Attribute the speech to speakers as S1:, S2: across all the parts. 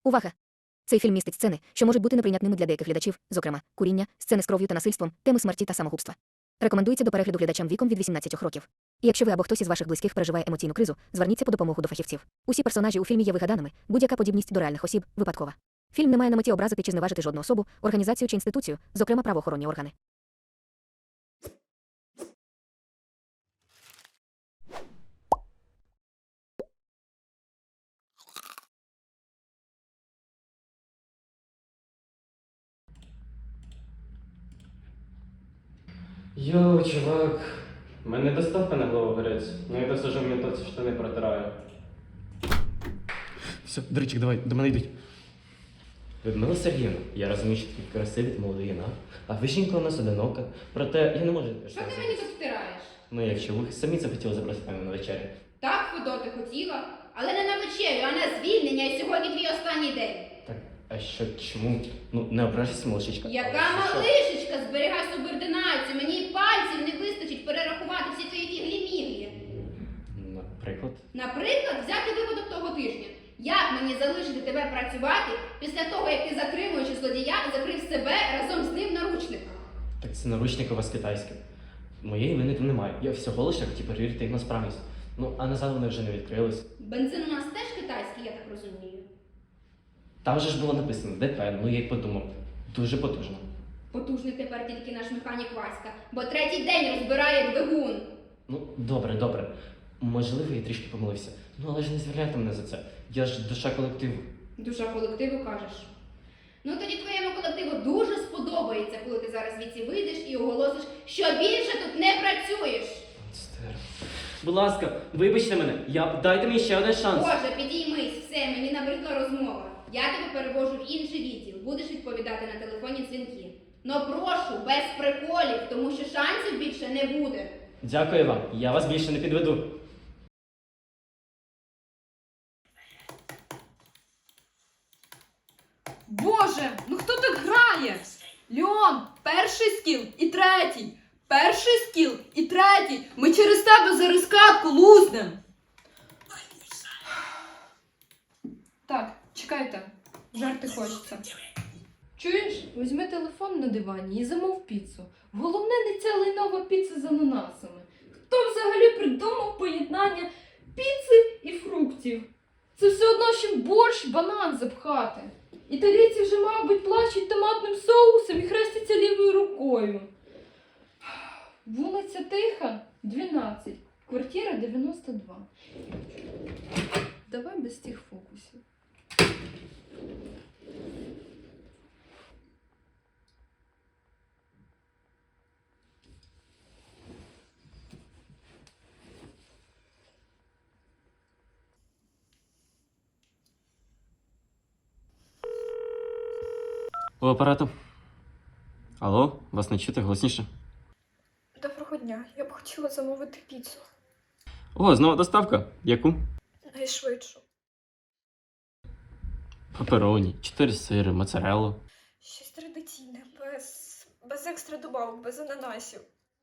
S1: Увага! Цей фільм містить сцени, що можуть бути неприйнятними для деяких глядачів, зокрема, куріння, сцени з кров'ю та насильством, теми смерті та самогубства. Рекомендується до перегляду глядачам віком від 18 років. І якщо ви або хтось із ваших близьких переживає емоційну кризу, зверніться по допомогу до фахівців. Усі персонажі у фільмі є вигаданими, будь-яка подібність до реальних осіб випадкова. Фільм не має на меті образити чи зневажити жодну особу, організацію чи інституцію, зокрема правоохоронні органи.
S2: Йоу, чувак, в мене доставка на Главогорець. Ну я досажу в метоці штани протираю. Все, Дричик, давай, до мене йдуть. Людмила Сергіївна, я розумію, що такий красивий молодий юнак, а ви жінка у нас одинока. Проте я не можу...
S3: Що ти мені тут втираєш?
S2: Ну якщо ви самі захотіли запросити мене на вечерю.
S3: Так, Федо, ти хотіла, але не на вечерю, а на звільнення, і сьогодні твій останній день.
S2: Так, а що, чому? Ну, не ображайся, малышечка.
S3: Яка
S2: Але що?
S3: малишечка, зберігай субординацію, мені й пальців не вистачить перерахувати всі твої фіглі-міглі.
S2: Наприклад?
S3: Наприклад, взяти випадок того тижня. Як мені залишити тебе працювати після того, як ти, затримуючи злодія, закрив себе разом з ним в наручниках?
S2: Так це наручники у вас китайські. Моєї вини там немає. Я всього лише хотів перевірити їх на справність. Ну, а назад вони вже не відкрились.
S3: Бензин у нас теж китайський, я так розумію.
S2: Там же ж було написано ДП, ну я й подумав. Дуже потужно.
S3: Потужний тепер тільки наш механік Васька, бо третій день розбирає двигун.
S2: Ну, добре, добре. Можливо, я трішки помилився. Ну, але ж не звільняйте мене за це. Я ж душа колективу.
S3: Душа колективу, кажеш. Ну тоді твоєму колективу дуже сподобається, коли ти зараз звідси вийдеш і оголосиш, що більше тут не працюєш.
S2: Монстер. Будь ласка, вибачте мене. Дайте мені ще один шанс.
S3: Боже, підіймись, все, мені набридла розмова. Я тебе перевожу в інший відділ, будеш відповідати на телефонні дзвінки. Но прошу, без приколів, тому що шансів більше не буде.
S2: Дякую вам. Я вас більше не підведу.
S4: Боже, ну хто так грає? Леон, перший скіл і третій. Перший скіл і третій. Ми через тебе за розкатку лузнем. Так, чекайте. Жарти хочеться. Чуєш, візьми телефон на дивані і замов піцу. Головне не ця лайнова піца з ананасами. Хто взагалі придумав поєднання піци і фруктів? Це все одно, що борщ, банан запхати. Італійці вже, мабуть, плачуть томатним соусом і хрестяться лівою рукою. Вулиця Тиха, 12. Квартира 92. Давай без тих фокусів.
S2: У апарату. Алло, вас не чути, голосніше.
S5: Доброго дня. Я б хотіла замовити піцу.
S2: О, знову доставка. Яку?
S5: Найшвидшу.
S2: Папероні, 4 сири, моцареллу.
S5: Щось традиційне, без екстра добавок, без ананасів.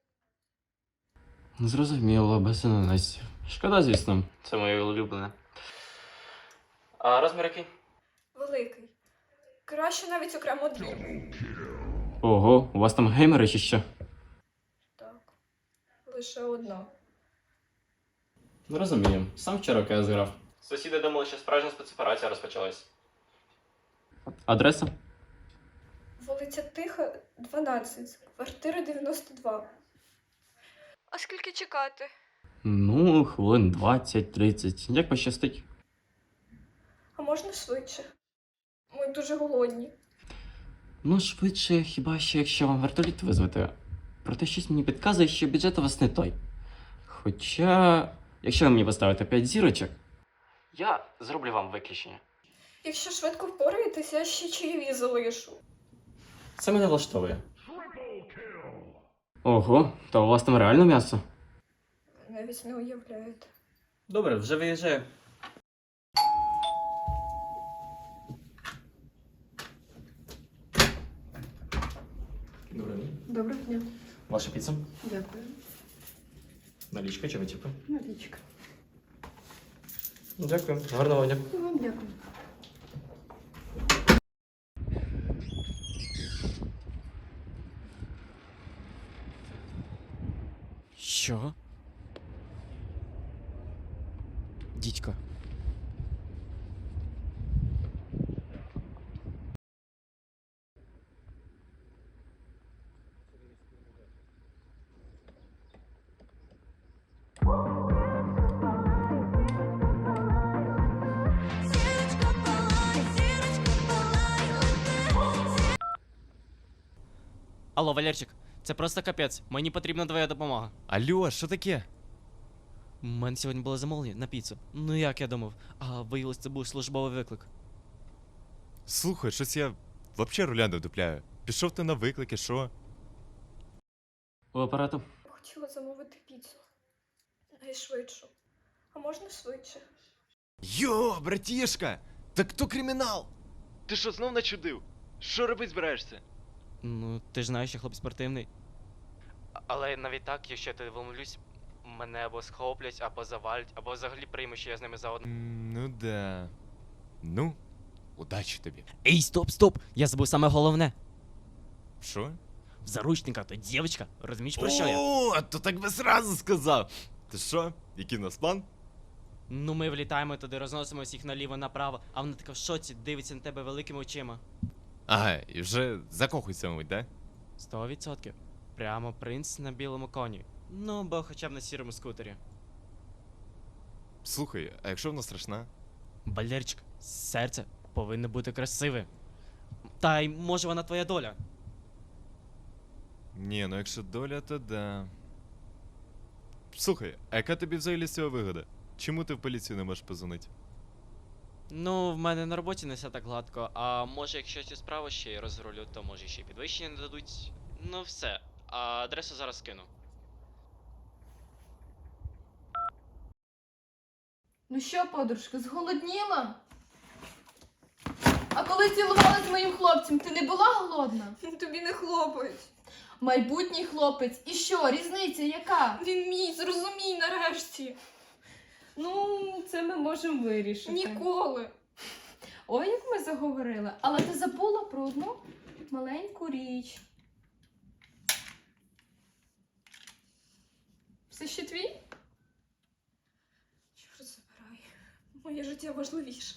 S2: Зрозуміло, без ананасів. Шкода, звісно, це моє улюблене. А розмір який?
S5: Великий. Краще навіть окремо дві.
S2: Ого, у вас там геймери чи що?
S5: Так. Лише одна.
S2: Ну розумію, сам вчора КС грав. Сусіди думали, що справжня спецоперація розпочалась. Адреса?
S5: Вулиця Тиха, 12. Квартира 92. А скільки чекати?
S2: Ну, хвилин 20-30. Як пощастить.
S5: А можна швидше? Ми дуже голодні.
S2: Ну, швидше, хіба що якщо вам вертоліт визвати. Проте щось мені підказує, що бюджет у вас не той. Хоча, якщо ви мені поставите 5 зірочок, я зроблю вам виключення.
S5: Якщо швидко впораєтесь, я ще чаєві залишу.
S2: Це мене влаштовує. Ого, то у вас там реально м'ясо?
S5: Навіть не уявляєте.
S2: Добре, вже виїжджаю. Доброго дня.
S5: Доброго дня.
S2: Ваша піца?
S5: Дякую.
S2: Налічка чи витівка?
S5: Налічка.
S2: Дякую. Гарного дня.
S5: Вам дякую.
S2: Чого? Дідько. Алло, Валерчик, це просто капець. Мені потрібна твоя допомога.
S6: Алло, що таке?
S2: У мене сьогодні було замовлення на піцу. Ну як я думав, а виявилось, це був службовий виклик.
S6: Слухай, щось я взагалі руля не дупляю. Пішов ти на виклики, що?
S2: У апарату.
S5: Хотіла замовити піцу. Найшвидшу. А можна швидше?
S6: Йо, братішка! Так то кримінал! Ти що, знов начудив? Що робити збираєшся?
S2: Ну, ти ж знаєш, що хлоп спортивний. Але навіть так, якщо я тебе вимовлюсь, мене або схоплять, або завалять, або взагалі приймуть, що я з ними заодно.
S6: Ну да. Ну, удачі тобі.
S2: Ей, стоп! Я забув саме головне.
S6: Що?
S2: В заручниках то дівчинка, розумієш про що я?
S6: О, то так би сразу сказав. Ти що? Який у нас план?
S2: Ну ми влітаємо туди, розносимо всіх наліво-направо, а вона така в шоці, дивиться на тебе великими очима.
S6: Ага, і вже закохується, мабуть, да?
S2: 100%. Прямо принц на білому коні. Ну, бо хоча б на сірому скутері.
S6: Слухай, а якщо вона страшна?
S2: Валерчик, серце повинно бути красиве. Та й може вона твоя доля.
S6: Ні, ну якщо доля, то да. Слухай, а яка тобі взагалі з цього вигода? Чому ти в поліцію не можеш позвонити?
S2: Ну, в мене на роботі не все так гладко, а може якщо цю справу ще й розрулю, то може ще й підвищення не дадуть. Ну все, а адресу зараз скину.
S4: Ну що, подружка, зголодніла? А коли цілувалася з моїм хлопцем, ти не була голодна?
S5: Тобі не хлопець.
S4: Майбутній хлопець. І що, різниця яка?
S5: Він мій, зрозумій нарешті.
S4: Ну, це ми можемо вирішити.
S5: Ніколи.
S4: Ой, як ми заговорили. Але ти забула про одну маленьку річ. Все ще твій?
S5: Чорт забирай. Моє життя важливіше.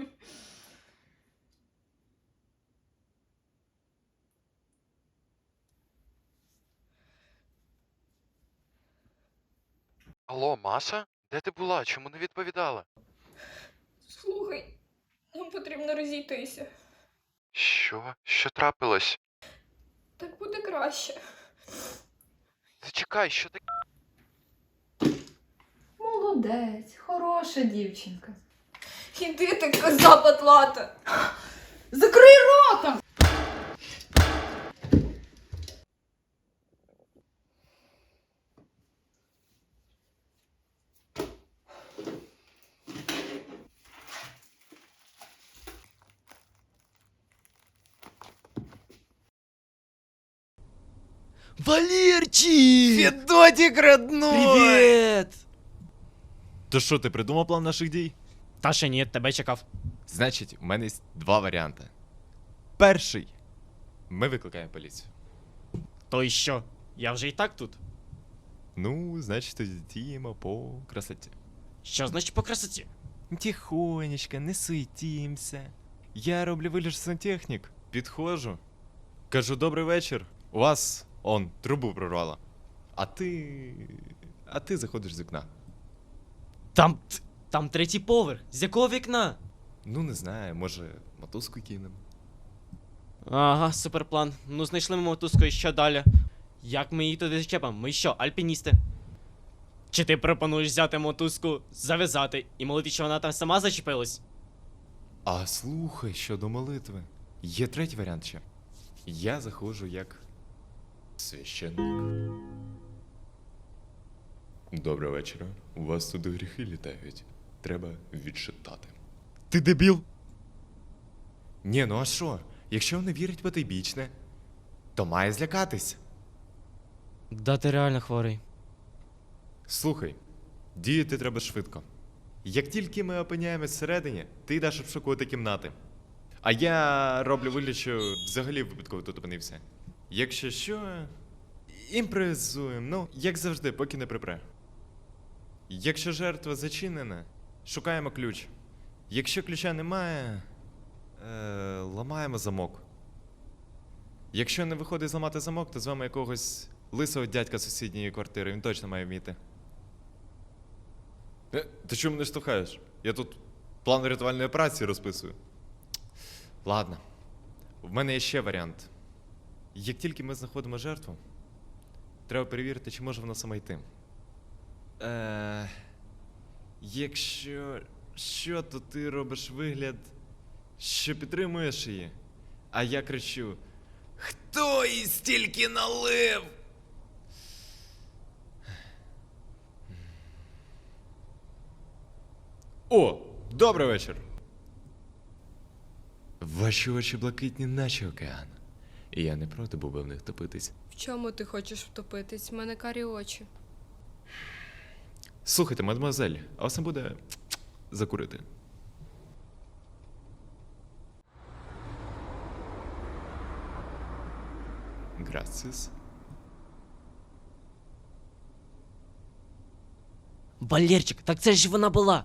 S7: Алло, Маша? Де ти була? Чому не відповідала?
S5: Слухай, нам потрібно розійтися.
S7: Що? Що трапилось?
S5: Так буде краще.
S7: Зачекай, що таке?
S4: Молодець, хороша дівчинка.
S5: Іди ти, коза патлата.
S4: Закрий рота!
S2: Валерчик!
S6: Федотик родной!
S2: Привіт!
S6: То що, ти придумав план наших дій?
S2: Та ще ні, тебе чекав.
S6: Значить, у мене є два варіанти. Перший. Ми викликаємо поліцію.
S2: То й що? Я вже і так тут.
S6: Ну, значить, тоді діємо по красоті.
S2: Що значить по красоті?
S6: Тихонечко, не суетімся. Я роблю вигляд що сантехнік. Підходжу. Кажу, добрий вечір. У вас, трубу прорвало. А ти заходиш з вікна.
S2: Там третій поверх. З якого вікна?
S6: Ну, не знаю, може, мотузку кинемо.
S2: Ага, суперплан. Ну, знайшли ми мотузку і що далі? Як ми її туди зачепимо? Ми що, альпіністи? Чи ти пропонуєш взяти мотузку, зав'язати і молити, що вона там сама зачепилась?
S6: А слухай, щодо молитви. Є третій варіант ще. Я заходжу як священник. Доброго вечора. У вас тут гріхи літають. Треба відчитати. Ти дебіл? Ні, ну а що? Якщо не вірить потойбічне, то має злякатись.
S2: Да, ти реально хворий.
S6: Слухай, діяти треба швидко. Як тільки ми опиняємось всередині, ти йдеш обшукувати кімнати. А я роблю вигляд, що взагалі випадково тут опинився. Якщо що, імпровізуємо, ну, як завжди, поки не припре. Якщо жертва зачинена, шукаємо ключ. Якщо ключа немає, ламаємо замок. Якщо не виходить зламати замок, то звемо якогось лисого дядька з сусідньої квартири, він точно має вміти. Ти чому мене штовхаєш? Я тут план рятувальної операції розписую. Ладно, в мене є ще варіант. Як тільки ми знаходимо жертву, треба перевірити, чи може вона сама йти. Якщо що, то ти робиш вигляд, що підтримуєш її, а я кричу: хто їй стільки налив? О, добрий вечір. Ваші очі блакитні, наче океан. І я не проти був би в них топитись.
S5: В чому ти хочеш втопитись? В мене карі очі.
S6: Слухайте, мадемуазель, а вас не буде закурити? Грацис.
S2: Валерчик, так це ж вона була.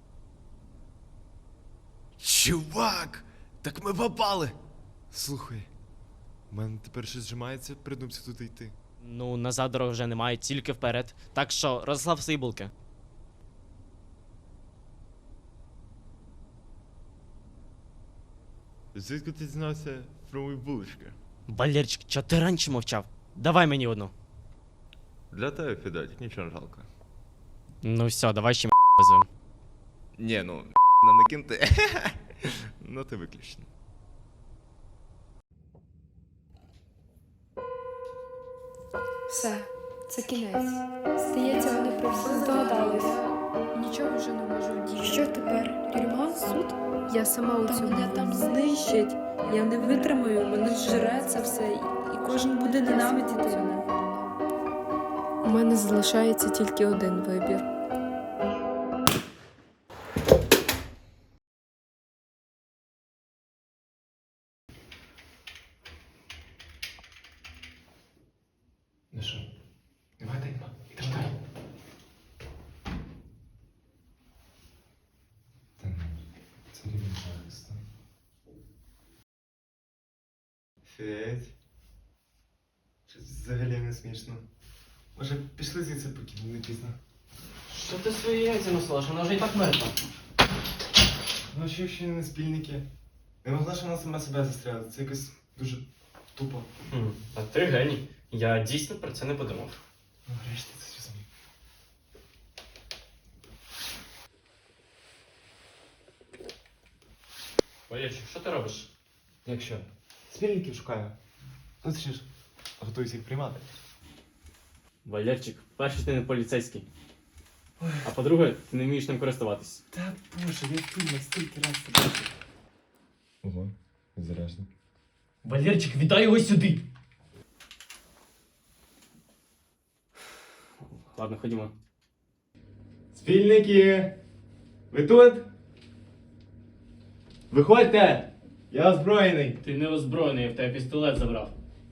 S6: Чувак! Так ми попали! Слухай, у мене тепер щось зжимається, придумся туди йти.
S2: Ну, назад дороги вже немає, тільки вперед. Так що, розслав свої булки.
S6: Звідки ти дізнався про мої булочки?
S2: Валерчик, чого ти раніше мовчав? Давай мені одну.
S6: Для тебе, Федотик, нічого не жалко.
S2: Ну все, давай ще визвем.
S6: Ні, ну, нам не кінти. Ну, ти виключно.
S5: Все, це кінець. Здається, вони про все здогадались. Нічого вже не можу вдіяти. Що тепер? Тюрма? Суд? Я сама у цьому. Мене там знищать. Я не витримаю, мене зжере це все, і кожен буде ненавидіти мене. У мене залишається тільки один вибір.
S6: Ну що, давай, йдемо далі. Та ну, це рівень захисту. Федь. Щось взагалі не смішно. Може, пішли звідси, поки не пізно.
S2: Що ти свої яйця носила? Вона вже і так мертва.
S6: Ну, що ще не спільники? Не могла ж вона сама себе застряти. Це якось дуже тупо.
S2: А ти геній. Я дійсно про це не подумав.
S6: Ну, врешті це зрозумів.
S2: Валерчик, що ти робиш?
S6: Якщо? Спільників шукаю. Ну, це ж готуюсь їх приймати.
S2: Валерчик, перше, ти не поліцейський. А по-друге, ти не вмієш ним користуватись.
S6: Та боже, я в фільмах стільки раз це бачив. Ого, заряжно.
S2: Валерчик, віддай його сюди! Ладно, ходімо.
S6: Спільники! Ви тут? Виходьте! Я озброєний!
S2: Ти не озброєний, я в тебе пістолет забрав.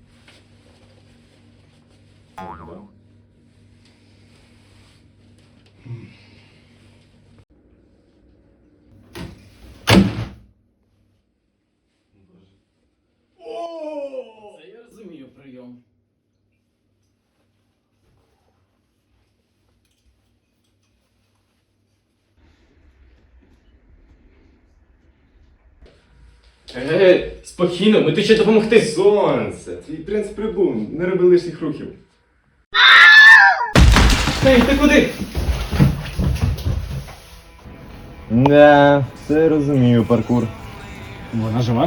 S2: Це я розумію прийом. Спокійно, ми тут ще допомогти.
S6: Сонце! Твій принц прибув, не роби лишніх рухів.
S2: Ей, ти куди?
S6: Да, все розумію, паркур.
S2: Вона жива?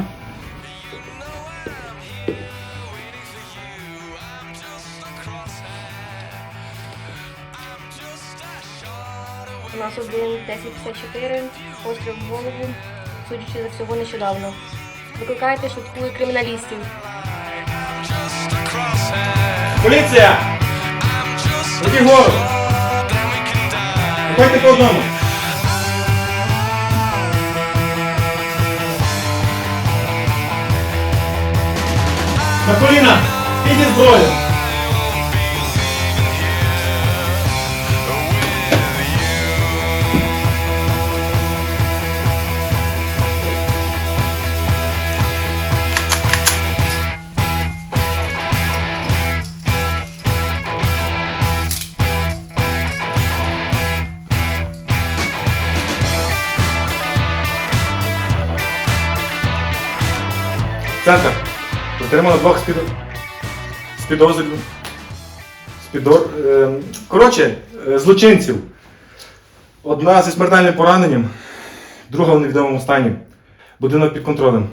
S8: У нас 1-1054, постріл в голову, судячи за всього нещодавно. Викликайте швидку і криміналістів.
S6: Поліція! Руки вгору! Виходьте по одному! На коліна! Підіть зброю!
S9: Центр. Затримано двох злочинців. Одна зі смертельним пораненням, друга в невідомому стані. Будинок під контролем.